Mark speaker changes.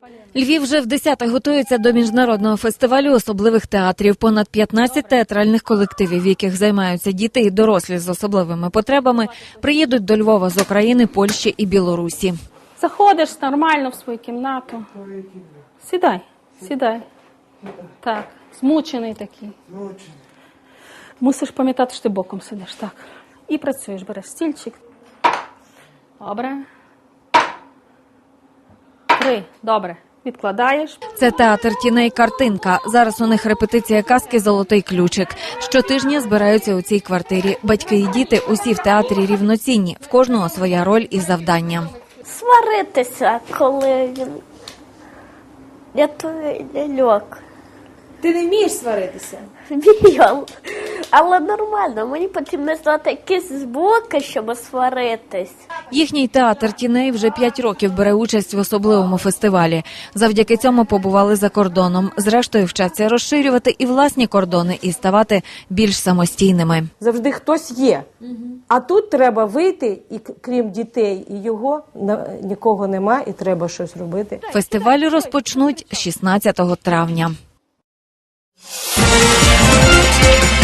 Speaker 1: Львів вже вдесяте готується до міжнародного фестивалю особливих театрів. Понад 15 театральних колективів, в яких займаються діти і дорослі з особливими потребами, приїдуть до Львова з України, Польщі і Білорусі.
Speaker 2: Заходиш нормально в свою кімнату. Сідай, сідай. Так, змучений такий. Мусиш пам'ятати, що ти боком сидиш. Так. І працюєш, береш стільчик. Добре. 3. Добре. Відкладаєш.
Speaker 1: Це театр тіней «Картинка». Зараз у них репетиція казки «Золотий ключик». Щотижня збираються у цій квартирі. Батьки і діти усі в театрі рівноцінні. В кожного своя роль і завдання.
Speaker 3: Сваритися, коли він рятує ляльок.
Speaker 4: Ти не вмієш сваритися?
Speaker 3: Вмію. Але нормально, мені потрібно знати якісь звуки, щоб сваритись.
Speaker 1: Їхній театр тіней вже 5 років бере участь в особливому фестивалі. Завдяки цьому побували за кордоном. Зрештою, вчаться розширювати і власні кордони, і ставати більш самостійними.
Speaker 4: Завжди хтось є. А тут треба вийти, і крім дітей і його, нікого нема, і треба щось робити.
Speaker 1: Фестиваль розпочнуть 16 травня.